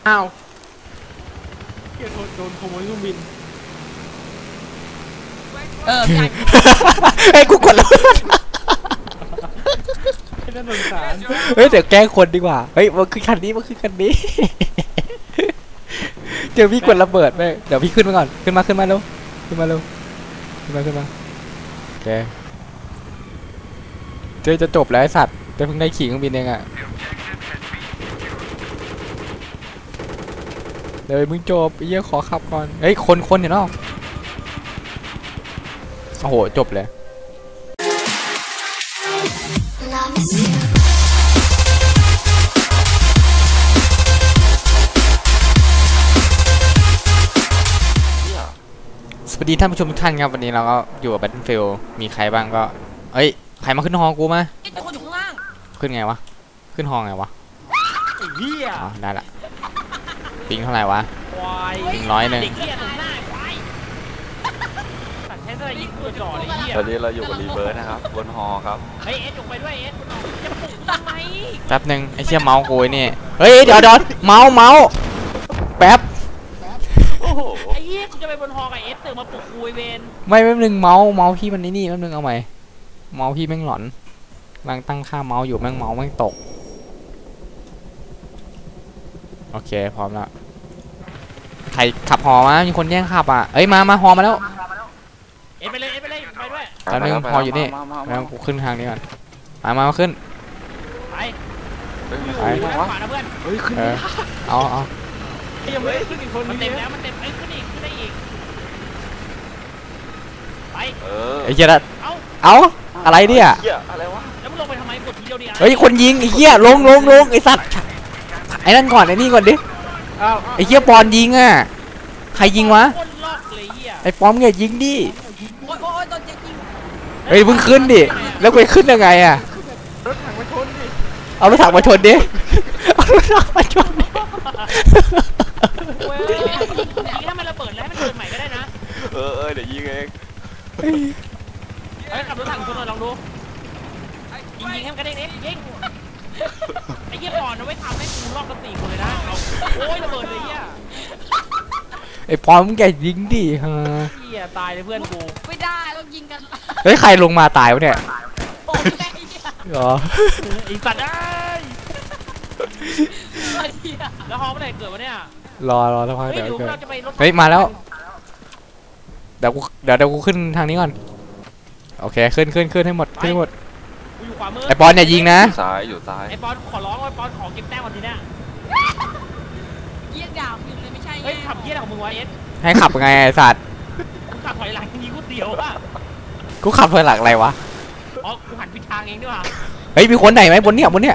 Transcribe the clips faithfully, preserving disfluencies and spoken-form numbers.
อ้าวเกียร์โดนขโมยเครื่องบินเออใช่ไอ้กูกดแล้วน่าสงสารเฮ้ยเดี๋ยวแกล้งคนดีกว่าเฮ้ยมันคือคันนี้มันคือคันนี้เจอพี่กดระเบิดไปเดี๋ยวพี่ขึ้นมาก่อนขึ้นมาขึ้นมาเร็วขึ้นมาเร็วขึ้นมาขึ้นมาแกเจอจะจบแล้วไอ้สัตว์แต่เพิ่งได้ขี่เครื่องบินเองอะเดี๋ยวมึงจบไอ้เหี้ยขอขับก่อนเฮ้ยคนคนเห็นหรอโอ้โหจบเลยสวัสดีท่านผู้ชมทุกท่านครับวันนี้เราก็อยู่กับ Battlefield มีใครบ้างก็เอ้ยใครมาขึ้นฮอกูมาคนอยู่ข้างล่างขึ้นไงวะขึ้นฮอไงวะไอ้เหี้ยอ๋อได้ละปิงเท่าไหร่วะปิงร้อยหนึ่งตอนนี้เราอยู่กับรีเบิร์ดนะครับบนฮอครับเฮ้ยเอสจงไปด้วยเอสจะปลุกทำไมแป๊บหนึ่งไอ้เชี่ยเมาส์กูนี่เฮ้ยเดี๋ยวเดี๋ยวเมาส์เมาส์แป๊บไอ้เหี้ยกูจะไปบนฮอกับเอสตื่นมาปลุกกูไอเวนไม่แป๊บหนึ่งเมาส์เมาส์พี่มันนี่นี่แป๊บหนึ่งเอาใหม่เมาส์พี่แม่งหลอนกำลังตั้งค่าเมาส์อยู่แม่งเมาส์แม่งตกโอเคพร้อมแล้วใครขับฮอมามีคนแย่งขับอ่ะเอ้ยมามาฮอมาแล้วเอสไปเลยเอสไปเลยไปด้วยตอนนึงฮออยู่นี่แล้วกูขึ้นทางนี้ก่อนมามาขึ้นไปไปขวานะเพื่อนเฮ้ยขึ้นเอาเอายังไม่ได้ขึ้นอีกคนมันเต็มแล้วมันเต็มไอ้ขึ้นอีกขึ้นได้อีกไปไอ้เหี้ยละเอาอะไรเนี่ยอะไรวะแล้วมึงลงไปทำไมกดทีเดียวดิเฮ้ยคนยิงไอ้เหี้ยลงลงลงไอ้สัตว์ไอ้นั่นก่อนไอ้นี่ก่อนดิไอ้เหี้ยปอนยิงอ่ะใครยิงวะไอ้ปอมเนี่ยยิงดิเฮ้ยมึงขึ้นดิแล้วไปขึ้นยังไงอ่ะรถถังมาชนดิเอารถถังมาชนดิเอารถถังมาชนดิยิงถ้ามันระเบิดแล้วให้มันเกิดใหม่ก็ได้นะเออเออเดี๋ยวยิงเองเฮ้ยขับรถถังชนหน่อยลองดูยิงยิงให้มันกระเด้งเด็กยิงไอ้เหี้ยปอนเอาไว้ทำให้กูรอบกันสี่คนเลยนะโอ้ยระเบิดเลยเหี้ยไอ้ปอมแกยิงดิฮะเหี้ยตายเลยเพื่อนกูไม่ได้ต้องยิงกันเฮ้ยใครลงมาตายวะเนี่ยเหรออีสัตว์ได้แล้วฮอเมื่อไหร่เกิดวะเนี่ยรอรอแล้วพักเดี๋ยวเกิดเฮ้ยมาแล้วเดี๋ยวกูเดี๋ยวเดี๋ยวกูขึ้นทางนี้ก่อนโอเคขึ้นขึ้นขึ้นให้หมดขึ้นให้หมดไอ้ปอนเนี่ยยิงนะซ้ายอยู่ซ้ายไอ้ปอนขอร้องไอ้ปอนขอเก็บแต้มวันทีเนี้ยเยี่ยดาวยิงเลยไม่ใช่เฮ้ยขับเยี่ยของมึงวะเอสให้ขับไงไอ้สัตว์กูขับถอยหลังยิงกูเตี๋ยวอ่ะกูขับถอยหลังอะไรวะอ๋อกูหันผิดทางเองด้วยว่ะเฮ้ยมีคนไหนไหมบนเนี้ยบนเนี้ย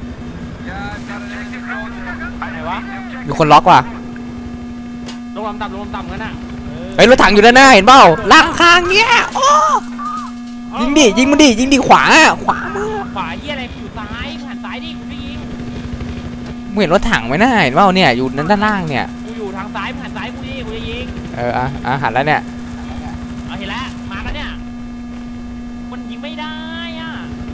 ไหนวะมีคนล็อกว่ะลงลำต่ำลงลำต่ำกันน่ะเฮ้ยรถถังอยู่ด้านหน้าเห็นเปล่าล่างข้างเนี้ยโอ้ยิงดิยิงมันดิยิงดิขวาขวามือขวาเยี่ยอะไรอยู่ซ้ายหันซ้ายดิกูได้ยิงมึงเห็นรถถังไหมน่าเห็นเปล่าเนี่ยอยู่ด้านล่างเนี่ยกูอยู่ทางซ้ายหันซ้ายกูดิกูจะยิงเอออ่ะอ่ะหันแล้วเนี่ยเอาเห็นแล้วมาแล้วเนี่ยมันยิงไม่ได้อ่ะ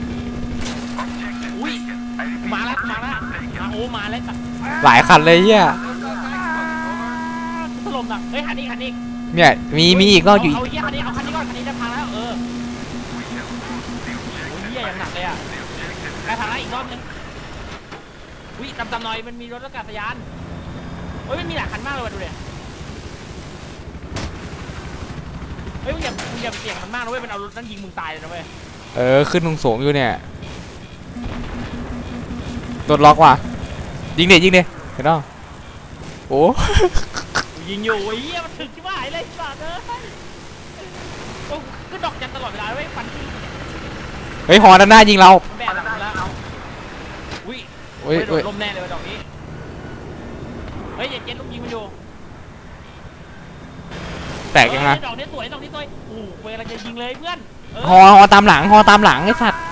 อุ้ยมาแล้วมาแล้วมาโอ้มาแล้วหลายคันเลยเนี่ยถล่มอ่ะเฮ้ยหันอีกหันอีกเนี่ยมีมีอีกก็อยู่เอาเยี่ยคันนี้เอาคันนี้ก่อนคันนี้จะพังแล้วเออเยี่ยอย่างหนักเลยอ่ะไปพังแล้วอีกรอบนึงอุ้ยจำๆหน่อยมันมีรถอากาศยานเฮ้ยมันมีหลายคันมากเลยว่ะดูดิเฮ้ยมึงอย่ามึงอย่าเสี่ยงมันมากนะเว้ยมันเอารถนั้นยิงมึงตายเลยนะเว้ยเออขึ้นตรงสูงอยู่เนี่ยตัวล็อกว่ะยิงเด็ดยิงเด็ดเห็นป่ะโอ้ยิงอยู่ไอ้เหี้ยมันถึงที่ว่าไอ้เลยสัตว์เลยโอ้ก็ดอกจันตลอดเวลาด้วยฟันที่เฮ้ยฮอด้านหน้ายิงเราแบนหลังแล้วอุ้ยโอ้ยลมแน่เลยดอกนี้เฮ้ยอย่าเจ็ดลูกยิงมันอยู่แตกยังไงดอกนี้สวยดอกนี้สวยโอ้เวลาจะยิงเลยเพื่อนฮอฮอตามหลังฮอตามหลังไอ้สัตว์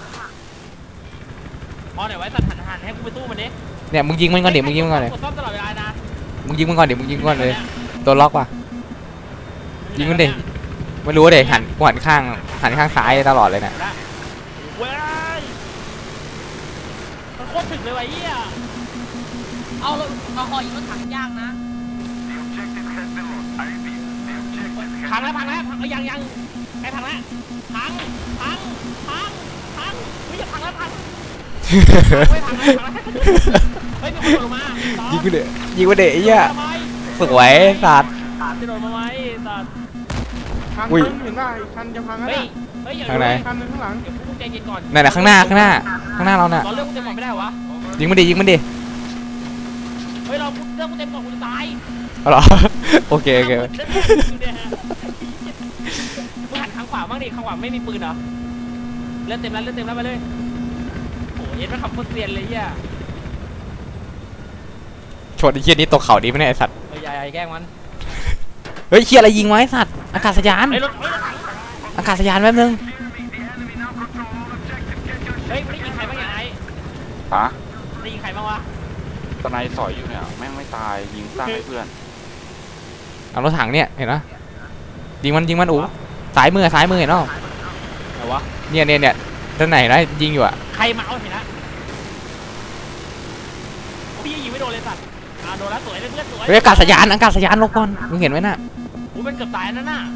ฮอไหนไว้สัตว์หันหันให้กูไปสู้มันดิเนี่ยมึงยิงมันก่อนเดี๋ยวมึงยิงมันก่อนเลยตลอดเวลานะมึงยิงมันก่อนเดี๋ยวมึงยิงก่อนเลยตัวล็อกว่ะยิงมันเด็กไม่รู้เด็กหันหันข้างหันข้างซ้ายตลอดเลยเนี่ยเว้ยมันโคตรถึงเลยว่ะเหี้ยเอาเอาหอยิงรถถังยากนะพังแล้วพังแล้วเอ้ยยังยังไอ้พังแล้วพังพังพังพังเฮ้ยอย่าพังแล้วพังเฮ้ยพังแล้วพังแล้วเฮ้ยมีคนโดดลงมายิงกูเดะยิงกูเดะไอ้เหี้ยทำไมสวยสัตว์จะโดดมาไหมสัตว์คันอุ้ยนึงเห็นป่ะอีกคันจะพังแล้วเฮ้ยนะเฮ้ยอย่าทางไหนคันนึงข้างหลังเดี๋ยวกูใจเย็นก่อนนั่นแหละข้างหน้าข้างหน้าข้างหน้าเราน่ะเราเลือกกูเต็มก่อนไม่ได้วะยิงมันดิยิงมันดิเฮ้ยเราเลือกกูเต็มก่อนกูจะตายเอาเหรอ โอเคโอเคมึงหันข้างขวาบ้างดิข้างขวาไม่มีปืนเหรอเลือดเต็มแล้วเลือดเต็มแล้วไปเลยโอ้ยเอ็ดมันขับโคตรเซียนเลยเฮียชนไอ้เหี้ยนี้ตกเขาดีไหมเนี่ยไอ้สัตว์เฮ้ยอย่าอย่าแกล้งมันเฮ้ยเหี้ยอะไรยิงไวะไอ้สัตว์อากาศยานเฮ้ยรถเฮ้ยรถถังอากาศยานแป๊บนึงเฮ้ยไม่ได้ยิงใครบ้างยังไงฮะได้ยิงใครบ้างวะตอนนายสอยอยู่เนี่ยแม่งไม่ตายยิงสร้างให้เพื่อนเอารถถังเนี่ยเห็นปะยิงมันยิงมันอู๋สายมือซ้ายมือเห็นปะไหนวะเนี่ยเนี่ยเนี่ยด้านไหนนะยิงอยู่อะใครมาเอาเห็นละพี่ยิงไม่โดนเลยสัตว์อ่าโดนแล้วสวยเลยเพื่อนสวยเฮ้ยอากาศยานอากาศยานลงก่อนมึงเห็นไหมน่ะกูเป็นเกือบตายนั่นน่ะ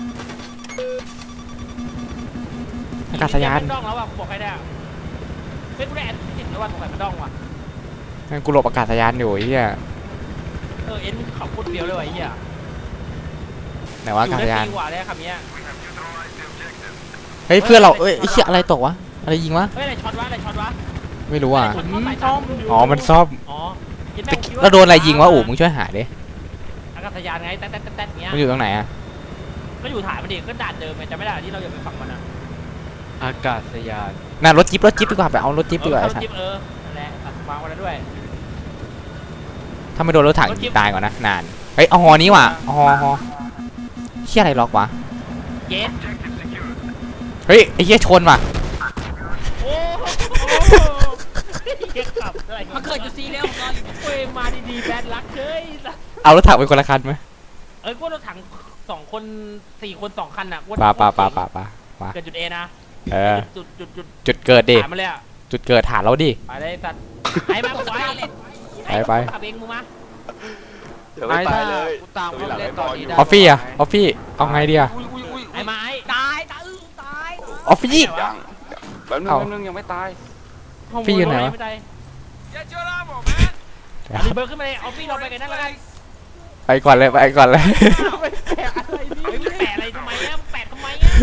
อากาศยานมันดองแล้วว่ะกูบอกใครได้เฮ้ยกูได้แอดสิบแล้วว่ะสงสัยมันดองว่ะงั้นกูหลบอากาศยานอยู่ไอ้เหี้ยเออเอ็นขับโคตรเฟี้ยวเลยว่ะไอ้เหี้ยไหนวะอากาศยานอยู่ได้ปีกว่าเลยคำเนี้ยเฮ้ยเพื่อนเราเอ้ยไอ้เหี้ยอะไรตกวะอะไรยิงวะเฮ้ยอะไรช็อตวะอะไรช็อตวะไม่รู้อ่ะผมซ่อมอยู่อ๋อมันซ่อมอ๋อเห็นไหมตะผมกี้คิเราโดนอะไรยิงวะอู๋มึงช่วยหาดิอากาศยานไงแต๊ดแต๊ดแต๊ดแต๊ดเงี้ยมันอยู่ตรงไหนอะก็อยู่ฐานมันดิก็ด่านเดิมไงจำไม่ได้ที่เราอย่าไปฝั่งมันอ่ะอากาศยานน่ารถจิ๊บรถจิ๊บดีกว่าไปเอารถจิ๊บดีกว่าเอไอ้อสัสจิ๊บเออนั่นแหละตัดวางไว้แล้วด้วยถ้าไม่โดนรถถังยิงตายก่อนนะนานเฮ้ยเอาฮอนี้ว่ะเอาฮอฮอเชี่ยอะไรล็อกวะเย็นเฮ้ยไอ้เหี้ยชนว่ะโอ้โหเฮียขับอะไรมาเกิดอยู่ซีเรียลของเราอยู่เว้ยมาดีๆแบดลักเฮ้ยเอารถถังเป็นคนละคันไหมเอ้ยกูรถถังสองคนสี่คนสองคันอ่ะปาปาปาปาปาปาเกิดจุดเอนะเออจุดจุดจุดจุดเกิดดิถามมาเลยอ่ะจุดเกิดฐานเราดิไปเลยสัตว์ไอ้มาไว้ไปไปขับเองมึงมาเดี๋ยวไม่ตายเลยกูตามเขาเล่นตอนนี้ได้ออฟฟี่อะออฟฟี่เอาไงดีอะอุ้ยอุ้ยอุ้ยไอ้มาไอ้ตายตายอื้อตายออฟฟี่ยังแป๊บนึงเอาแป๊บนึงยังไม่ตายฟี่อยู่ไหนวะไม่ได้ Get your ammo, man. เอารีเบิร์ขึ้นมาเลยเอาฟี่เราไปกันนั่นแล้วกันไปก่อนเลยไปก่อนเลยไปแปะอะไรนี่มึงแปะอะไรทำไมเนี่ยมึงแปะทำไมเนี่ย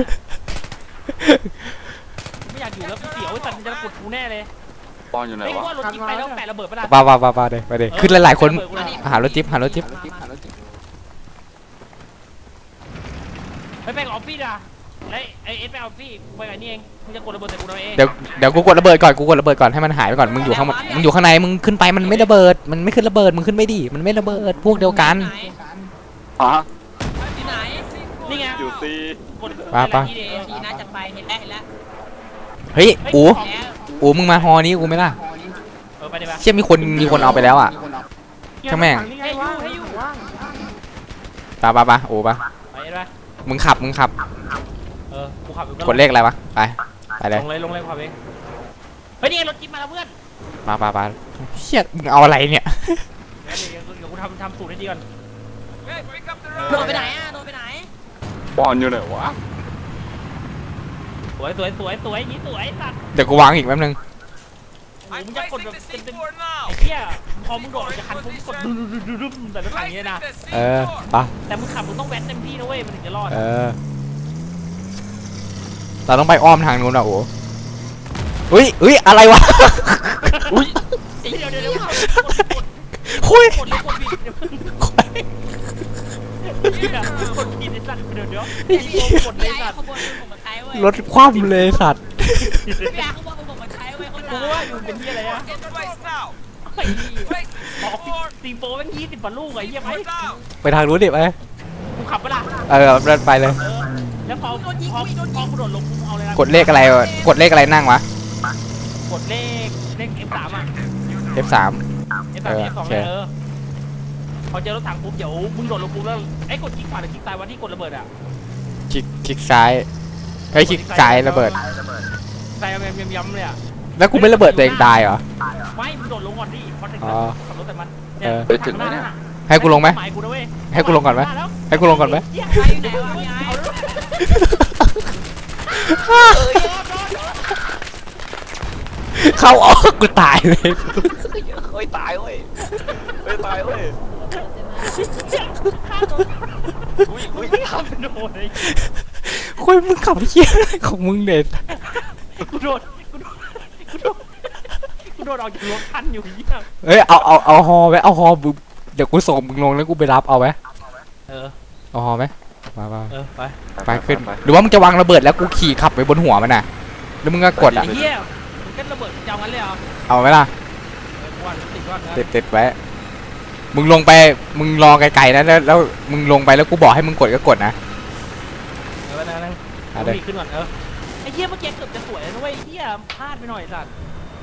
ไม่อยากอยู่แล้วกูเสียวไอ้สัตว์มันจะกดกูแน่เลยปอนอยู่ไหนไอ้วะว่ารถจิ๊บไปแล้วแปะระเบิดปะล่ะปาปาปาปาเลยไปเลยขึ้นหลายๆคนหารถจิ๊บหารถจิ๊บไปไปกับออฟฟี่ด่ะไอ้ไอ้เอสไปออฟฟี่ไปกับนี่เองมึงจะกดระเบิดใส่กูทำไมเองเดี๋ยวเดี๋ยวกูกดระเบิดก่อนกูกดระเบิดก่อนให้มันหายไปก่อนมึงอยู่ข้างมึงอยู่ข้างในมึงขึ้นไปมันไม่ระเบิดมันไม่ขึ้นระเบิดมึงขึ้นไม่ดีมันไม่ระเบิดพวกเดียวกันไหนฮะที่ไหนนี่ไงอยู่ซีกดปะปะที่เดซีน่าจะไปเห็นแล้วเห็นแล้วเฮ้ยอู๋แล้วอู๋มึงมาฮอนี้กูไหม่ล่ะเออไปดิปะเชื่อมีคนมีคนเอาไปแล้วอ่ะ ช่างแม่งให้ยูให้ยูว่างปาปาปาอู๋ปะไปเอ็ดปะมึงขับมึงขับเออกูขับอยู่กดเลขอะไรวะไปไปเลยลงเลยลงเลยขับเองเฮ้ยนี่ไงรถจิ๊บมาแล้วเพื่อนปาปาปาเชี่ยมึงเอาอะไรเนี่ยเดี๋ยวเดี๋ยวกูทำทำสูตรให้ดีก่อน Hey, pick up the โดน road. ไปไหนอ่ะโดนไปไหนปอนอยู่ไหนวะสวยสวยสวยสวยอย่างนี้สวยสัตว์เดี๋ยวกูวางอีกแป๊บนึงโอ้โห I'm มึงจะกด placing แบบ the เป็นเป็น C four now. ไอ้เหี้ยพอมึงโดดออกจากคันปุ๊บกดดุดุดุดุดุแต่รถถังอย่างนี้ Placing นะ the เออ C four. ปะแต่มึงขับมึงต้องแว้นเต็มที่นะเว้ยมันถึงจะรอดเออเราต้องไปอ้อมทางนู้นอ่ะโอ้อุ้ยอุ้ยอะไรวะอุ้ยเดี๋ยวเดี๋ยวเดี๋ยวกดคุยกดเลยกดผิดเดี๋ยวกดผิดไอ้สัตว์เดี๋ยวเดี๋ยวกดเลพี่ยไอ้สัตว์ขบวนมึงผมมาใช้เว้ยรถคว่ำเลยสัตว์พี่ไอ้ขบวนมึงผมมาใช้เว้ยคนกูด่าว่าอยู่เป็นที่อะไรอะ In place now. ไอ้นี่ Placing ออก C four. ซีโฟแม่งยี่สิบกว่าลูกไอ้เหี้ยไหม Four down. ไปทางนู้นดิไปกูขับไปละเออเดินไปเลยเออแล้วพอพอพอกูโดดลงกูเอาเลยนะกดเลขอะไรวะกดเลขอะไรนั่งวะกดเลขเลข เอฟ สาม อ่ะเอฟสามเอฟ สามเออเอฟ สองโอเคเลยเออพอเจอรถถังปุ๊บเดี๋ยวมึงโดดลงปุ๊บแล้วไอ้กดคลิกขวาหรือคลิกซ้ายวันที่กดระเบิดอ่ะคลิกคลิกซ้ายเฮ้ยคลิกซ้ายระเบิดซ้ายย้ำๆเลยอ่ะแล้วกูไม่ระเบิดตัวเองตายเหรอไม่มึงโดดลงก่อนดิพอถึงอ๋แล้วอขับรถแต่มันเออไปถึงไหมเนี่ยให้กูลงไหมหมายกูนะเว้ยให้กูลงก่อนไหมให้กูลงก่อนไหมใครอยู่ไหนวะพี่ไอ้เข้าออกกูตายเลยเฮ้ยตายเว้ยเฮ้ยตายเว้ยอุ้ยอุ้ยไม่ทำเป็นโดนเลยคุยมึงขับเหี้ยอะไรของมึงเด็ดกูโดนกูโดนกูโดนกูโดนออกจากรถทันอยู่เหี้ยเฮ้ยเอาเอาเอาฮอไว้เอาฮอมึงเดี๋ยวกูส่งมึงลงแล้วกูไปรับเอาไหมเออเอาฮอไหมมามาเออไปไปขึ้นหรือว่ามึงจะวางระเบิดแล้วกูขี่ขับไปบนหัวมันน่ะแล้วมึงก็กดอ่ะไอ้เหี้ยมึงก็ระเบิดจะเอางั้นเลยเหรอเอาไหมล่ะเออกูว่าติดก่อนนะติดติดไว้มึงลงไปมึงรอไกลๆนะแล้วแล้วมึงลงไปแล้วกูบอกให้มึงกดก็กดนะเออนั่งนั่งอ่ะเดี๋ยวมีขึ้นก่อนเออไอ้เหี้ยเมื่อกี้เกือบจะสวยแล้วนะเว้ยไอ้เหี้ยพลาดไปหน่อยสัตว์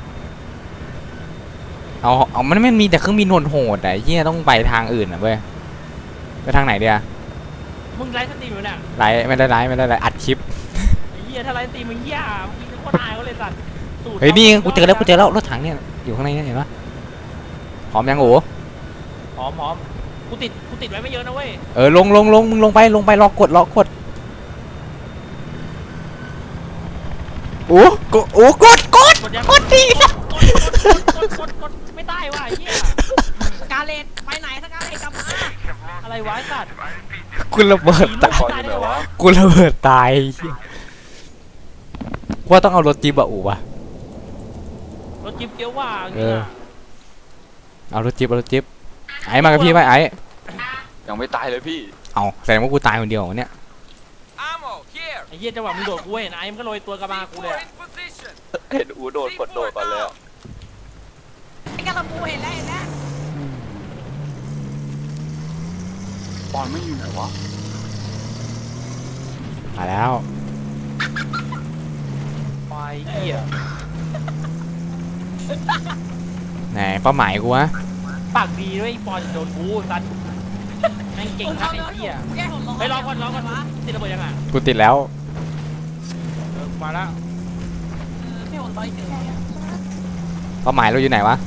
เอาเอามันไม่มีแต่เครื่องบินโหดๆแต่เฮียต้องไปทางอื่นอ่ะเว้ยไปทางไหนเดียมึงไลฟ์สตรีมอยู่เนี่ยไลฟ์ไม่ได้ไลฟ์ไม่ได้ไลฟ์อัดคลิปไอ้เหี้ยถ้าไลฟ์สตรีมมึงเหี้ยเมื่อกี้นึกว่าตายเขาเลยสัตว์สูตรเฮ้ยนี่กูเจอแล้วกูเจอแล้วรถถังเนี่ยอยู่ข้างในเนี่ยเห็นปะพร้อมยังโอ้หอมหอมกูติดกูติดไว้ไม่เยอะนะเว้ยเออลงลงลงมึงลงไปลงไปรอกดรอกดโอ้กดโอ้กดกดกดยังกดดีนะกดกดกดกดไม่ได้ว่ะไอ้เหี้ยสกาเลตไปไหนสกาเลตกลับมาอะไรวะไอ้สัตว์กูระเบิดผีตายลูกตายได้ไงวะกูระเบิดตายเหี้ยว่าต้องเอารถจี๊ปอะอู๋วะรถจิ๊บเกี้ยวว่าเออ เอารถจี๊ปเอารถจี๊ปไอ้มากับพี่ไหมไอ้ยังไม่ตายเลยพี่เอาแสดงว่ากูตายคนเดียวเหรอเนี่ย Ammo here. ไอ้เหี้ยจังหวะมึงโดดกูเห็นไอ้มันก็โรยตัวกระบากูเลย C four in position. เห็นอูโดดกดโดดก่อนเลยอะไอ้กระลำปูเห็นแล้วเห็นแล้วปอนไม่อยู่ไหนวะมาแล้วไปเหี้ยไหนเป้าหมายกูวะปากดีด้วยไอ้ปอนโดนกูสัตว์แม่งเก่งมากไอ้เหี้ยแกผมรอไปรอก่อนรอก่อนติดระเบิดยังอ่ะกูติดแล้วเออมาแล้วแค่ผมรอเฉยเป้าหมายเราอยู่ไหนวะ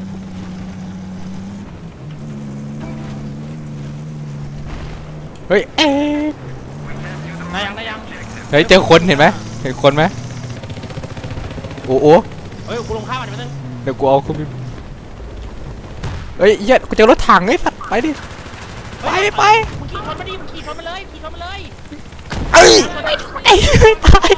เฮ้ย เอ๊ะได้ยังได้ยังเฮ้ย เจอคนเห็นไหมเห็นคนไหมโอ้โหเฮ้ยกูลงข้าวมันไปนึงเดี๋ยวกูเอาคุณเฮ้ยเหี้ยกูเจอรถถังไอ้สัตว์ไปดิ ไปไปมึงขี่ชนมาดิมึงขี่ชนมาเลยขี่ชนมาเลยเอ้ยไอ้ไม่ตาย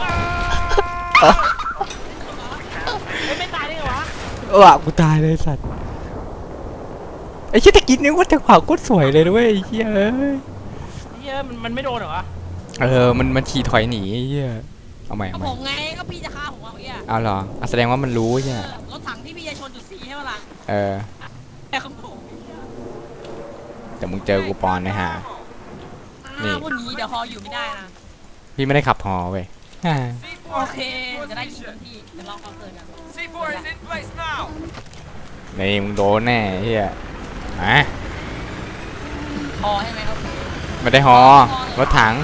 เฮ้ยไม่ตายได้ไงวะเออกูตายเลยสัตว์ไอ้เชี่ยตะกี้นึกว่าจังหวะโคตรสวยเลยด้วยไอ้เหี้ยเอ้ยเหี้ยมันมันไม่โดนเหรอวะเออมันมันขี่ถอยหนีไอ้เหี้ยเอาใหม่ๆก็เอาใหม่ผมไงก็พี่จะฆ่าผมเอาเงี้ยเอาเหรออ่ะแสดงว่ามันรู้ใช่ไหมรถถังที่พี่จะชนจุดสี่ใช่ไหมล่ะเออแต่ของผมแต่มึงเจอกูปอนนะฮะ นี่อ้าวพวกนี้เดี๋ยวฮออยู่ไม่ได้นะพี่ไม่ได้ขับฮอเว้ยฮ่า C โอ four เค in จะได้ยิง position. พี่เดี๋ยวลองคอนเสิร์ตกัน C four is in place now. นี่มึงโดนแน่ไอ้เหี้ยอ่ะฮอใช่ไหมครับไม่ได้ฮอรถถัง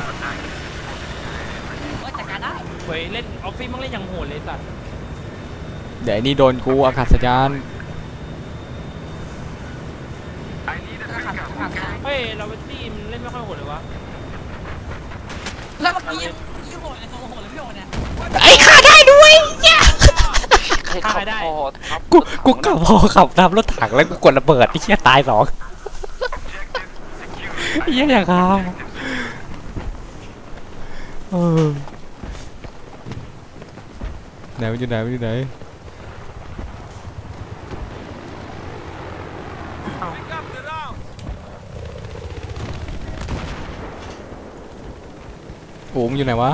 ว่าจัดการได้เฮ้ยเล่นออฟฟิศมึงเล่นอย่างโหดเลยสัตว์เดี๋ยวไอ้นี่โดนกูอากาศยานขับขับเฮ้ยเราเป็นทีมเล่นไม่ค่อยโหดเลยวะแล้วเมื่อกี้ยี่โหดเลยตัวโหดเลยพี่โหดเนี่ยไอ้ขาได้ด้วยเนี่ยใครขับพอทับกูกูขับฮอขับตามรถถังแล้วกูกดระเบิดไอ้เหี้ยตายสองไอ้เหี้ยอย่างฮาเออไหนมันอยู่ไหนมันอยู่ไหน Pick up the round. โอ้มึงอยู่ไหนวะ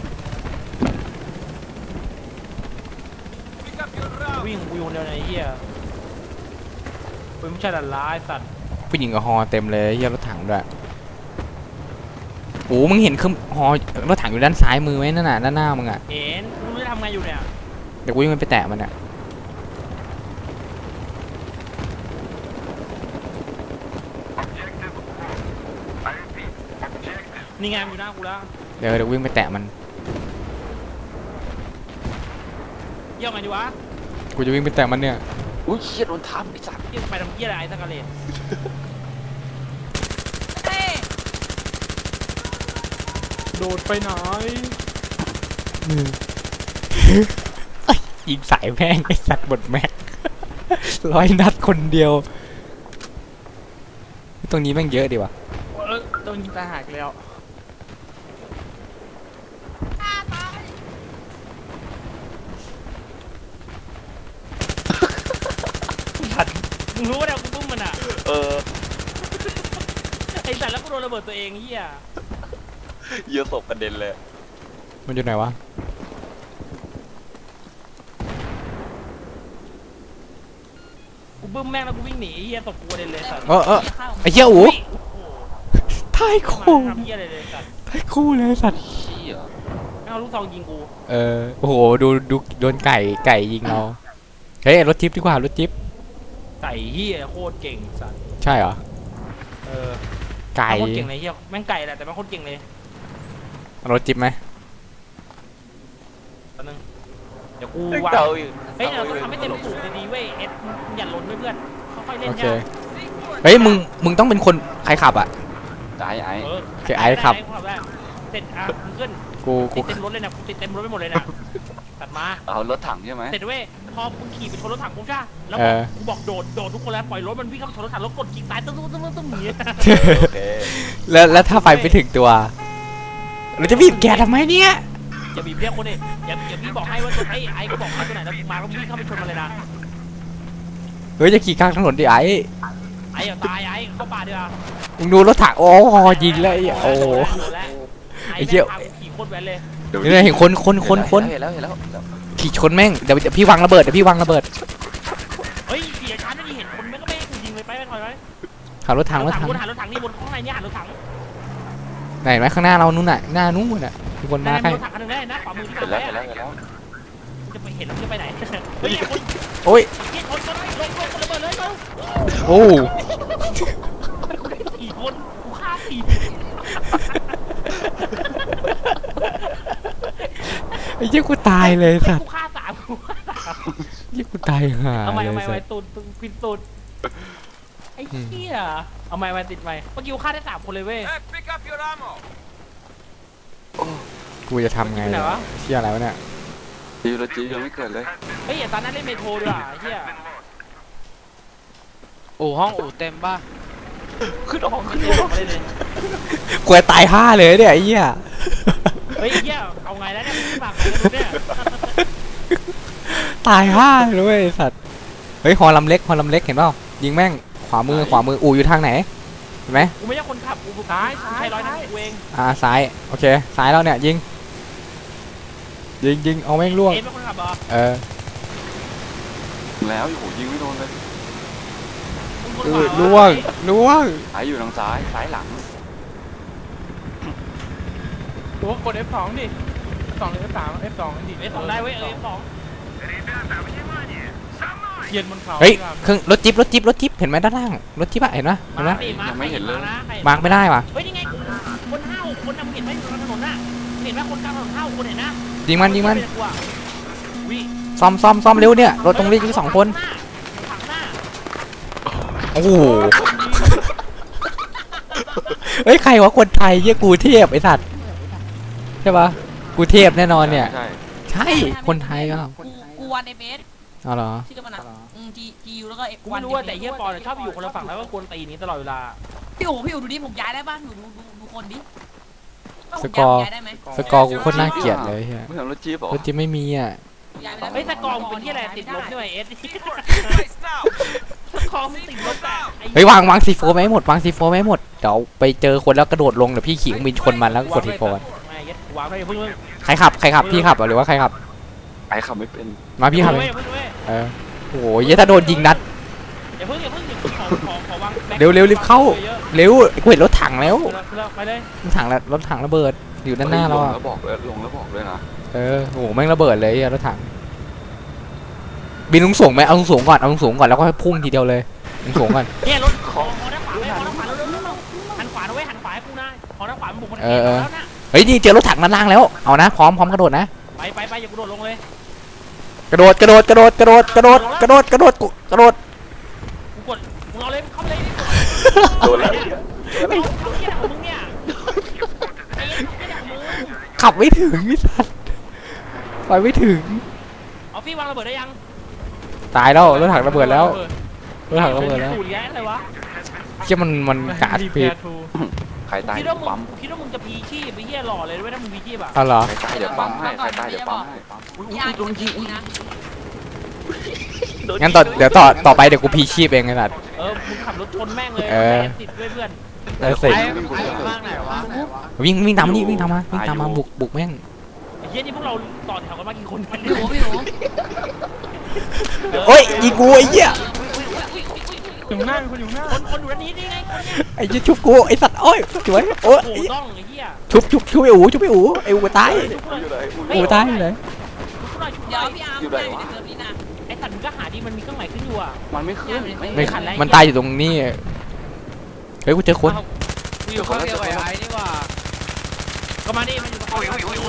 Pick up your round. วิ่งกูอยู่คนเดียวในไอ้เหี้ยเฮ้ยไม่ใช่ดันร้ายสัตว์ผู้หญิงกับฮอเต็มเลยไอ้เหี้ยรถถังด้วยโอ้มึงเห็นเครื่องฮอรถถังอยู่ด้านซ้ายมือไหมนั่นน่ะด้านหน้ามึงอ่ะเห็นกูไม่รู้จะทำไงอยู่เนี่ยเดี๋ยวกูวิ่งไปแตะมันอ่ะนี่ไงมันอยู่หน้ากูแล้วเดี๋ยวเดี๋ยววิ่งไปแตะมันเยี่ยมไงดีวะกูจะวิ่งไปแตะมันเนี่ยอุ้ยเชี่ยโดนทับไอ้สัตว์เหี้ยไปทำเหี้ยอะไรไอ้สักกะเลนเฮ้ยโดดไปไหนยิงสายแม่งไอ้สัตว์หมดแม็กร้อยนัดคนเดียวตรงนี้แม่งเยอะดีว่ะเออโดนยิงตาหักแล้วสัตว์มึงรู้ว่าเดี๋ยวกูปุ้มมันอ่ะเออไอ้สัตว์แล้วกูโดนระเบิดตัวเองเหี้ยเยอะศพกระเด็นเลยมันอยู่ไหนวะกูบึ้มแม่งแล้วกูวิ่งหนีเหี้ยตบกูกระเด็นเลยสัตว์เออเออไอ้เหี้ยอู๋โอ้โหทายเข้าคู่มาทำเหี้ยอะไรเลยสัตว์ทายคู่เลยสัตว์เชี่ยแม่งเอาลูกซองยิงกูเออโอ้โหดูดูโดนไก่ไก่ยิงเราเฮ้ยรถจิ๊บดีกว่ารถจิ๊บไก่เหี้ยโคตรเก่งสัตว์ใช่เหรอเออไก่โคตรเก่งเลยเหี้ยแม่งไก่แหละแต่แม่งโคตรเก่งเลยรถจิ๊บไหมแป๊บนึงเดี๋ยวกูเฮ้ยวางเก่าอยู่เฮ้ยเราต้องทำให้เต็มสูบดีๆเว้ยเอ็ดอย่าล้นด้วยเพื่อนค่อยๆเล่นโอเคยากเฮ้ยมึงมึงต้องเป็นคนใครขับอ่ะไอ้ไอ้เออโอเคไอ้ครับด้ได้เสร็จอ่ะมึงขึ้นกูติกูดเต็มรถเลยนะกูติดเต็มรถไปหมดเลยนะตัดมาเอารถถังใช่ไหมเสร็จเว้ยพอมึงขี่ไปชนรถถังปุ๊บใช่ปะแล้วเอบอกอกูบอกโดดโดดทุกคนแล้วปล่อยรถมันวิ่งเข้าไปชนรถถังแล้วกดคลิกซ้ายตึ้งตึ้งตึ้งตึ้งตึ้งหนีโอเคแล้วแล้วถ้าไฟไปถึงตัวเราจะบีบแกทำไมเนี่ยอย่าบีบเรียกคนดิอย่าอย่าพี่บอกให้ว่าตัวไอ้ไอ้ก็บอกให้ตัวไหนแล้วมาแล้ววิ่งเข้าไปชนมันเลยนะเฮ้ยจะขี่ข้างถนนดิไอ้ไอ้อย่าตายไอ้เข้าป่าดีกว่ามึงดูรถถังโอ้ยิงเลยโอ้โหโดนแล้วไอ้ไอ้เหี้แม่ยงพากูขี่โคตรแว้นเลยเนี่ยเห็นคนคนคนคนเห็นแล้วเห็นแล้วเห็นแล้วขี่ชนแม่งเดี๋ยวเดี๋ยวพี่วางระเบิดเดี๋ยวพี่วางระเบิดเฮ้ยเสียชั้นนี่เห็นคนไม่ก็ไม่ให้กูยิงเลยไปไปถอยไปขับรถถังรถถังบนหันรถถังนี่บนข้างในเนี่ยหันรถถังไหนไหมข้างหน้าเรานู่นน่ะหน้านู่นน่ะมีคนนั่มาน ใครรถถังคันนึงได้นะขวามือที่เห็นทำแล้วไว้เห็นแล้วอะเห็นแล้วจะไปเห็นแล้วจะไปไหนเฮ้ยคนโอ้ยเฮ้ยคนคนลงลงคนระเบิดเลยเขาโอ้สี่คนกูฆ่าสี่ไอ้เหี้ยกูตายเลยสัตว์กูฆ่าสามกูฆ่าสามเหี้ยกูตายห่าเอาไม้เลเอายไม้สัไม้ตว์ตุนตุนปิดตุนไอ้เหี้ยเอาไม้ไม้ติดไม้เมื่อกี้กูฆ่าได้สามคนเลยเว้ย Hey, pick up your ammo. กูจะทำไงไหนวะเชี่ยอะไรวะเนี่ยจีรถจียังไม่เกิดเลยเฮ้ยอย่าตอนนั้นเล่นเมโทรดีกว่าไอ้เหี้ยอู่ห้องอู่เต็มป่ะขึ้นห้องขึ้นห้องมาเลยเลยกูจะตายห้าเลยเนี่ยไอ้เหี้ยเฮ้ยเหี้ยเอาไงแล้วเนี่ยมึงฝากกันดูเนี่ยตายห้าเลยเว้ยไอ้สัตว์เฮ้ยฮอลำเล็กฮอลำเล็กเห็นเปล่ายิงแม่งขวามือขวามืออู่อยู่ทางไหนเห็นไหมกูไม่ใช่คนขับกูกูซ้ายใช้ร้อยนัดกูเองอ่าซ้ายโอเคซ้ายแล้วเนี่ยยิงยิงยิงเอาแม่งล่วงเอ็มเป็นคนขับเหรอเออแล้วโอ้โหยิงไม่โดนเลยมึงคนเอขัอบ ล่วงล่วงไอ้อยู่ทางซ้ายซ้ายหลังตัวกด เอฟ สอง ดิ สองหรือ เอฟ สาม เอฟ สอง ดิเอฟสองได้เว้ยเออเอฟสองเทียนบนเขาเฮ้ยเครื่องรถจิ๊บรถจิ๊บรถจิ๊บเห็นไหมด้านล่างรถจิ๊บอะเห็นไหมเห็นไหมมาดิมาใครเห็นมานะใครมาร์กไม่ได้ว่ะเฮ้ยนี่ไงคนห้าวคนนำเห็นไหมอยู่กลางถนนน่ะเห็นไหมคนกลางถนนห้าวคนเห็นนะยิงมันยิงมันวิซ่อมซ่อมซ่อมเร็วเนี่ยรถตรงนี้มีสองคนถังหน้าโอ้โหเฮ้ยใครวะคนไทยเยี่ยกูเทพไอสัตว์ใช่ปะกูเทพแน่นอนเนี่ยใช่ใช่คนไทยก็กูกูวันเอเมสเอาเหรอชื่อมันอ่ะอืมจีจียูแล้วก็เอกูไม่รู้ว่าแต่เฮียปอนชอบอยู่คนละฝั่งแล้วก็กวนตีนี้ตลอดเวลาพี่อู๋พี่อู๋ดูดิผมย้ายได้ป่ะหนูดูดูดูคนดิสกอร์ย้ายได้ไหมสกอร์กูโคตรน่าเกลียดเลยเฮียไม่เห็นรถจี๊ปเหรอรถจิ๊บไม่มีอ่ะย้ายไปแล้วเฮ้ยสกอร์มึงเป็นที่อะไรติดลบด้วยเอส Place now. สกอร์มึงติดลบแต่เฮ้ยวางวางซีโฟไม่ให้หมดวางซีโฟไม่ให้หมดเดี๋ยวไปเจอคนแล้วกระโดดลงเดี๋ยวพี่ขี่เครื่องบินชนมันแล้วกดซีโฟไม่ยัดวางไปเพิ่งเพิ่งใครขับใครขับพี่ขับเหรอหรือว่าใครขับไอ้ขับไม่เป็นมาพี่ขับเพิ่เอง งเพิ่งเพิ่งเออโอ้โหเหี้ยถ้าโดนยิงนัดอย่าเพิ่งอย่าเพิ่งอย่าขอขอขอวางเร็วเร็วรีบเข้า เร็วกูเห็นรถถังแล้วไปเลยรถถังแล้วรถถังระเบิดอยู่ด้านหน้าเราลงอะแล้วบอกเลยลงแล้วบอกเลยนะเออโอ้โหแม่งระเบิดเลยอะรถถังบินลงสูงไหมเอาลงสูงก่อนเอาลงสูงก่อนแล้วก็ให้พุ่งทีเดียวเลยลงสูงก่อนเนี่ยรถขอขอด้านขวาไปขอด้านขวาเร็วเร็วเร็วหันขวาด้วยหันขวาให้กูนะขอด้านขวามันบุกคนเดียวแล้วนะเฮ้ยนี่เจอรถถังด้านล่างแล้วเอานะพร้อมพร้อมกระโดดนะไปไปไปอย่ากูโดดลงเลยกระโดดกระโดดกระโดดกระโดดกระโดดกระโดดกระโดดกระโดดกูกดมึงเอาเลยเข้าเลยโดนแล้วไอ้เหี้ยของมึงเนี่ยไอ้เหี้ยของมึงขับไม่ถึงไอ้สัตว์ไปไม่ถึงออฟฟี่วางระเบิดได้ยังตายแล้วรถถังระเบิดแล้วรถถังระเบิดแล้วสูตรแย่อะไรวะเชี่ยมันมันกาดดีผิดทูใครตายคิดเดี๋ยว่าว มึงปั๊มคิดว่ามึงจะพีชีพไปเหี้ยหล่อเลยด้วยถ้ามึงพีชีพอ่ะอ๋อเหรอใครตายเดี๋ยวปั๊มให้ใครตายเดี๋ยวปั๊มให้ปั๊มอุ้ยพี่อาร์โดนยิงอุ้ยนะงั้นต่อเดี๋ยวต่อต่อไปเดี๋ยวกูพีชีพเองไอ้สัตว์เออมึงขับรถชนแม่งเลยเออแอซิดด้วยเพื่อนได้สิไอ้ไอ้ข้างไหนวะวิ่งวิ่งตามนี่วิ่งตามมาวิ่งตามมาบุกบุกแม่งไอ้เหี้ยนี่พวกเราต่อแถวกันมากี่คนกันพี่อูพี่อูโอ้ยยิงกูไอ้เหี้ยอยู่หน้ามีคนอยู่หน้าคนคนอยู่ด้านนี้นี่ไงคนเนี้ยไอ้เหี้ยชุบกูไอ้สัตว์โอ้ยสวยโอ้ยโอ้โหต้องไอ้เหี้ยชุบชุบชุบไอ้อูชุบไอ้อูไอ้อูตายอยู่ไหนอูตายอยู่ไหนชุบหน่อยชุบหเดี๋ยน่วอยพี่อาร์มไม่ได้อยู่ในเซิร์ฟนี้นะไอ้สัตว์มึงก็หาดีมันมีเครื่องหมายขึ้นอยู่อ่ะมันไม่ขึ้นไม่มันตายอยู่ตรงนี้เฮ้ยกูเจอคนกูอยู่ข้างเดียวกับไอ้นี่ว่ะก็มาดิมันอยู่ตรงนี้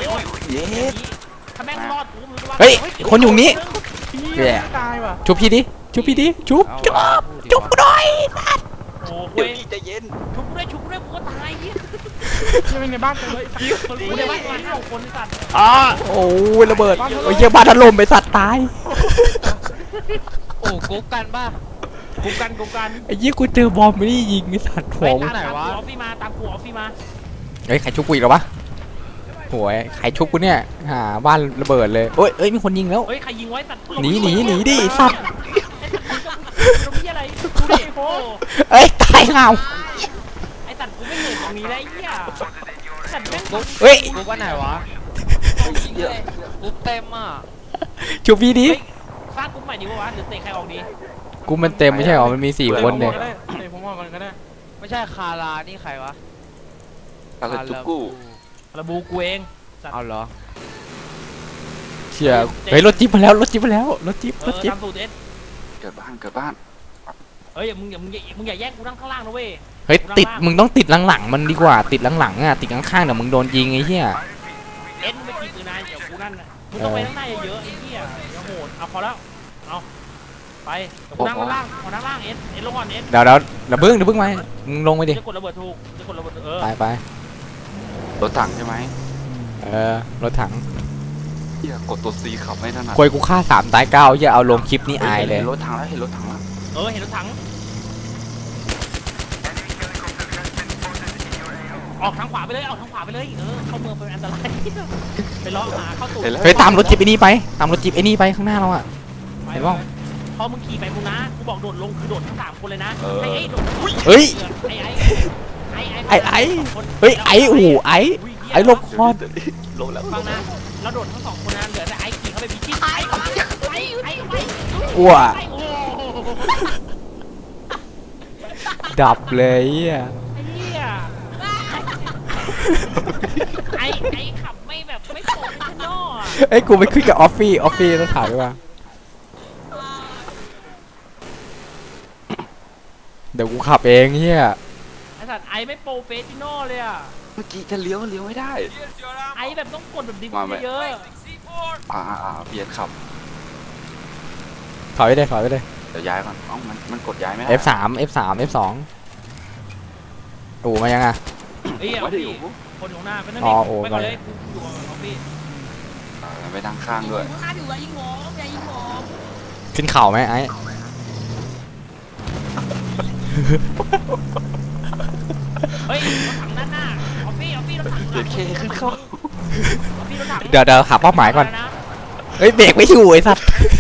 เย้ถ้าแม่งรอดกูมึงก็ว่าเฮ้ยคนอยู่นี้พี่แย่ตายว่ะชุบพี่ดิชุบพี่ดิชุบชุบชุบกูหน่อยโอ้โหเดี๋เว้ยวย พี่ใจเย็นชุบกูด้วยชุบกูด้วยกูก็ตายเหี้ยยังในบ้านกันเลยกูในบ้านมาห้าหกคนไอ้สัตว์อ๋อโอ้ยระเบิดโอ้ยเหี้ยบ้านถล่มไปสัตว์ตายโอ้กุ๊กกันป่ะกูกันกูกันไอ้เหี้ยกูเจอบอมไม่ได้ยิงไอ้สัตว์ผเฮ้ยมตามไหนตามวะกูออฟฟี่มาตามกูออฟฟี่มาเฮ้ยใครชุบกูอีกแล้ววะโหยใครชุบกูเนี่ยหาบ้านระเบิดเลยโอ้ยเอ้ยมีคนยิงแล้วเฮ้ยใครยิงไว้สัตว์หนีหนีหนีดิสัตว์ตรงนี้อะไรกูดิโฟเอ้ยตายห่าวไอ้สัตว์กูไม่เคยตรงนี้ได้ไอ้เหี้ยสัตว์แม่งเฮ้ยกุ๊กว่าไหนวะยิงเลยกุ๊กเต็มอ่ะชุบพี่ดิเฮ้ยสร้างกลุ่มใหม่ดีวะหรือเตะใครออกดีกูมันเต็มไม่ใช่หรอมันมีสี่คนเนี่ยเดี๋ยวผมบอกกันก็ได้ไม่ใช่คารานี่ใครวะแล้วก็จุกกู้ระบูกูเองเอาเหรอเชี่ยเฮ้ยรถจิ๊บมาแล้วรถจิ๊บมาแล้วรถจิ๊บเอรอถจิ๊บตามสูตรเอสเกิดบ้านเกิดบ้านเฮ้ยมึงอย่ามึงอย่ามึงอย่าแย่งกูนั่งข้างล่างนะเว้ยเฮ้ยติดมึงต้องติดหลังๆมันดีกว่าติดหลังๆอ่ะติดข้างๆเดี๋ยวมึงโดนยิงไอ้เหี้ยเอ็นไม่ขี่ปืนนายเดี๋ยวกูนั่นน่ะมึงต้องไปข้างหน้าเยอะๆไอ้เหี้ยเดี๋ยวโหดเอาพอแล้วเอาไปเดี๋ยวกูนั่งข้างล่างขอนั่งล่างเอ็นเอ็นลงก่อนเอ็นเดี๋ยวเดี๋ยวเดี๋ยวเพิ่งเดี๋ยวเพิ่งมามึงลงไปดิจะกดระเบิดถูกจะกดระเบิดเออไปไปรถถังใช่ไหมเออรถถังเฮียกดตัวซีขับไม่ถนัดควยกูฆ่าสามตายเก้าอย่าเอาลงคลิปนี้อายเลยเห็นรถถังแล้วเห็นรถถังแล้วเออเห็นรถถังออกทางขวาไปเลยออกทางขวาไปเลยเออเข้าเมืองเป็นอันตรายไปล้อหาเข้าตูดเห็นแล้วเฮ้ยตามรถจิ๊บไอ้นี่ไปตามรถจิ๊บไอ้นี่ไปข้างหน้าเราอ่ะ เห็นป่ะพอมึงขี่ไปมึงนะกูบอกโดดลงคือโดดทั้งสามคนเลยนะเออไอ้ไอ้โดดทั้งสองเฮ้ยไอ้ไอ้ไอ้ไอ้ไอ้ไอ้เฮ้ยไอ้โอ้โหไอ้ไอ้ลบคอนลงแล้วฟังนะเราโดดทั้งสองคนนะเหลือแต่ไอ้ขี่เข้าไปพิชิตไอ้ไอ้ไอ้ไอ้อ้วไอ้โอ้ดับเลยอ่ะไอ้เหี้ยไอ้ไอ้ขับไม่แบบไม่โผล่ข้างนอกอะเอ้ยกูไปขึ้นกับออฟฟี่ออฟฟี่ต้องถามด้วยว่าเดี๋ยวกูขับเองเฮียไอ้สัตว์ไอ้ไม่โปรเฟสชั่นอลเลยอ่ะเมื่อกี้จะเลี้ยวเลี้ยวไม่ได้ Here's your ammo. ไอ้แบบต้องกดแบบดิบมาไหมเยอะซีโฟร์อ่าอ่าเบียดขับถอยไปเลยถอยไปเลยเดี๋ยวย้ายก่อนเอ้ามันมันกดย้ายไม่ได้เอฟสาม เอฟสาม เอฟสองโอ้มายังอ่ะไอ้เหี้ยไม่ได้พี่อยู่คนอยู่ข้างหน้าไปนั่นอ๋เออง โอ้ไปก่อนไปเลยกูอยู่กับออฟฟี่เออไปนั่งข้างด้วยข้างหน้าอยู่แล้วยิงผมอย่ายิงผมขึ้นเข่าไหมไอ้เฮ้ยรถถังด้านหน้าออฟฟี่ออฟฟี่รถถังเจ็ดเคขึ้นเข้าออฟฟี่รถถังเดี๋ยวเดี๋ยวหาเป้าหมายก่อนะไระเฮ้ยเบรกไม่อยู่ไอ้สัตว์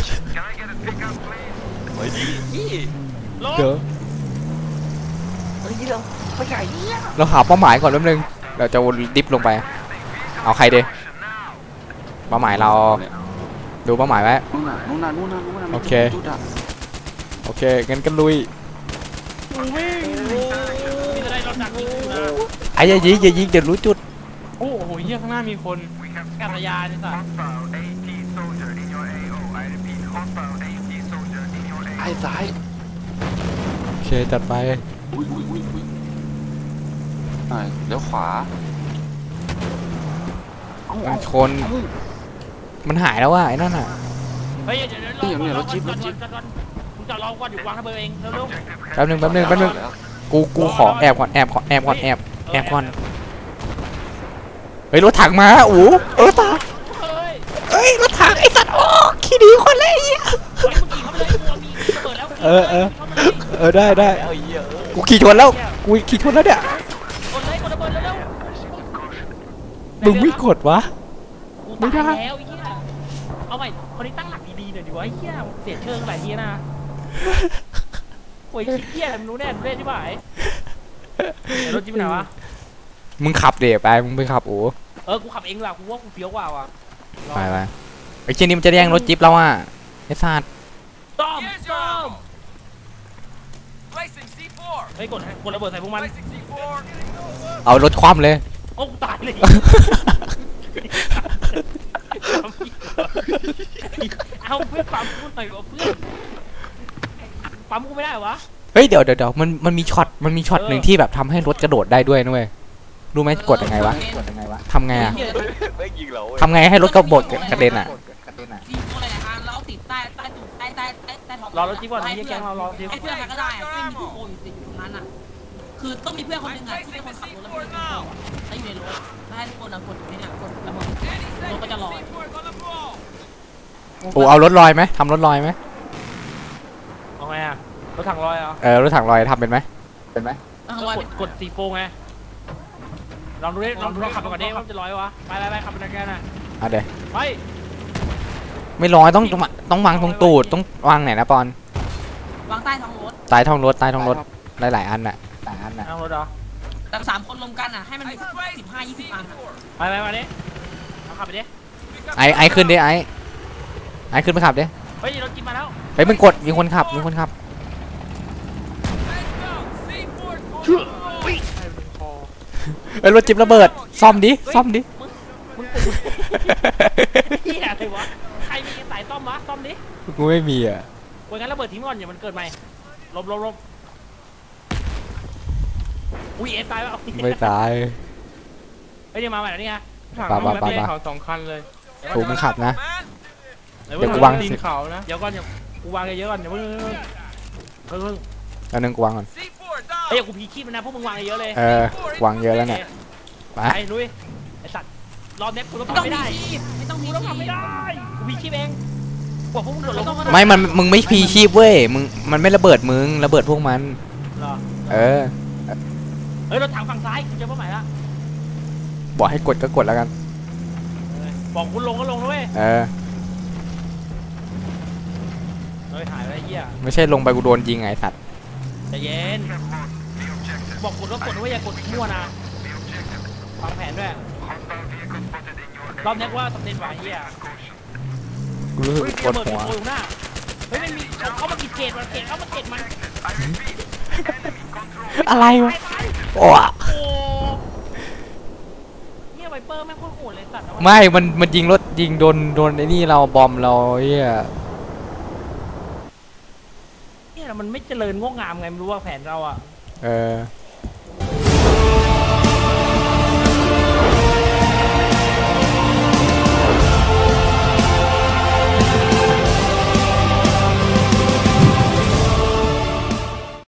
เฮ้ยพี่ลงเดี๋ยวเฮ้ยเราไปไหนเนี่ยเราหาเป้าหมายก่อนแป๊บนึงเราจะดิฟลงไป เอาใครดีเป้าหมายเราดูเป้าหมายไว้นู่นน่ะนู่นน่ะนู่นน่ะนู่นน่ะโอเคจุดอะโอเคงั้นก็ลุยมีอะไรรถถังยิงกูนะไอ้อย่ายิงอย่ายิงเดี๋ยวรู้จุดโอ้โหเฮียข้างหน้ามีคนกัตยานนี่สัตว์ไอ้ซ้ายโอเคจัดไปอุ้ยอุ้ยอุ้ยอุ้ยหน่อยเลี้ยวขวาเอ้าเอ้าชนมันหายแล้วว่ะไอ้นั่นอ่ะเฮ้ยเดี๋ยวเดี๋ยวรอก่อนรอก่อนรอก่อนมึงจอดรอก่อนอยู่วางระเบิดเองเร็วแป๊บนึงแป๊บนึงแป๊บนึงกูกูขอแอบก่อนแอบก่อนแอบก่อนแอบแอบก่อนเฮ้ยรถถังมาโอ้เออตาๆเฮ้ยเฮ้ยรถถังไอ้สัตว์โอ้ขี้ดีคนเลยไอ้เหี้ยเฮ้ยมึงขี่เข้าไปเลยกูมีระเบิดแล้วเออเออเออได้ได้กูขี่ชนแล้วกูขี่ชนแล้วเนี่ยกดเลยกดระเบิดเร็วมึงไม่กดวะกูตายแล้วไอ้เหี้ยเอาใหม่คนนี้ตั้งหลักดีๆหน่อยดิวะไอ้เหี้ยเสียเชิงหลายทีนะโอ้ยขี้เหี้ยมึงรู้แน่รู้แน่ใช่ไหมรถจิ๊บไหนวะมึงขับเดี๋ยวไปมึงไปขับโอ้เออกูขับเองล่ะกูว่ากูเฟี้ยวกว่าว่ะไปไปไอ้เจนี่มันจะแย่งรถจิ๊บเราอ่ะไอ้สัตว์ต้อมต้อม Placing C four. เฮ้ยกดกดระเบิดใส่พวกมัน Placing C four. เอารถคว่ำเลยโอ้กูตายเลยเอาเพื่อนปั๊มกูหน่อยวะเพื่อนปั๊มกูไม่ได้วะเฮ้ยเดี๋ยวเดี๋ยวเดี๋ยวมันมันมีช็อตมันมีช็อตหนึ่งที่แบบทำให้รถกระโดดได้ด้วยนะเว้ยรู้ไหมกดยังไงวะทำไงอะไม่ยิงเราทำไงให้รถกระโดดกระเด็นอะดีโฟอะไรนะแล้วติดใต้ใต้ตุ่มใต้ใต้ใต้ใต้ท้องรอรถจิ๊บก่อนไอ้แก๊งเรารอจิ๊บให้เพื่อนกันก็ได้ไม่มีผู้คนติดอยู่ตรงนั้นอ่ะคือต้องมีเพื่อนคนหนึ่งอ่ะที่เป็นคนขับรถแล้วมีคนขับแล้วอยู่ในรถแล้วให้ทุกคนอ่ะกดนี่เนี่ยกดระเบิดรถก็จะลอย C four on the ball. โอ้เอารถลอยไหมทำรถลอยไหมเอาไงอะรถถังลอยเหรอเออรถถังลอยทำเป็นไหมเป็นไหมต้องก็ลอยกดกดซีโฟไงลองดูดิลองดูลองขับไปก่อนดิว่ามันจะลอยวะไปไปไปขับไปแกน่ะอ่ะเดี๋ยวไปไม่ลอยต้องต้องต้องวางตรงตูดต้องวางไหนนะปอนวางใต้ท้องรถใต้ท้องรถใต้ท้องรถหลายหลายๆอันน่ะหลายอันน่ะนั่งรถเหรอแต่สามคนรวมกันอ่ะให้มันมีสักสิบห้ายี่สิบอันอ่ะไปไปมาดิเอาขับไปดิไอไอขึ้นดิไอไอขึ้นไปขับดิเฮ้ยรถจิ๊บมาแล้วไปมึงกดมีคนขับมีคนขับ Let's go. C four. เอ้ยรถจิ๊บระเบิดซ่อมดิซ่อมดิมึงเหี้ยอะไรวะใครมีสายซ่อมวะซ่อมดิกูไม่มีอ่ะโวยงั้นระเบิดทิ้งก่อนอย่ามันเกิดใหม่ลบลบลบอุ้ยเอฟตายแล้วไม่ตายเฮ้ยเดี๋ยวมาใหม่แล้วนี่ไงถังปะเอาปะไว้ปะเขาสองคันเลยถูกมึงขับนะ Man. เดี๋ยวกูวางตีนเขานะเดี๋ยวก่อนเดี๋ยวกูวางเยอะๆก่อนเดี๋ยวเพิ่งเพิ่งเพิ่งแล้วนึงกูวางก่อน C four เฮ้ย down. กูพีคีบมันนะพวกมึงวางเยอะเลยเออวางเยอะแล้วเนี่ยไปไปลุยไอ้สัตว์รอบเนี้ยกูต้องไม่ต้องทำไม่มีได้ชีพไม่ต้องมีกูต้องทำไม่ได้กูพีคีบเองกว่าพวกมึงโดดลงไม่มันมึงไม่พีชีพเว้ยมึงมันไม่ระเบิดมึงระเบิดพวกมันเหรอเออเฮ้ยรถถังฝั่งซ้ายกูเจอเป้าหมายละบอกให้กดก็กดแล้วกันบอกคุณลงก็ลงนะเว้ยเออเฮ้ยหายไปไอ้เหี้ยไม่ใช่ลงไปกูโดนยิงไงสัตว์ใจเย็นบอกกดก็กดนะเว้ยอย่ากดมั่วนะวางแผนด้วยรอบนี้กูว่าสำเร็จว่ะไอ้เหี้ยกูรู้สึกเฮ้ยปวดระเบิดหัวมีโผล่อยู่หน้าเฮ้ยมันมีเขามากินเกตมันเกตเขามาเกตมันอะไรวะตายโอ้โอ้เหี้ยไวเปอร์แม่งโคตรโหดเลยสัตว์เอาวะไม่มันมันยิงรถยิงโดนโดนไอ้นี่เราบอมเราเฮียเนี่ยมันไม่เจริญงอกงามไงไม่รู้ว่าแผนเราอ่ะเออ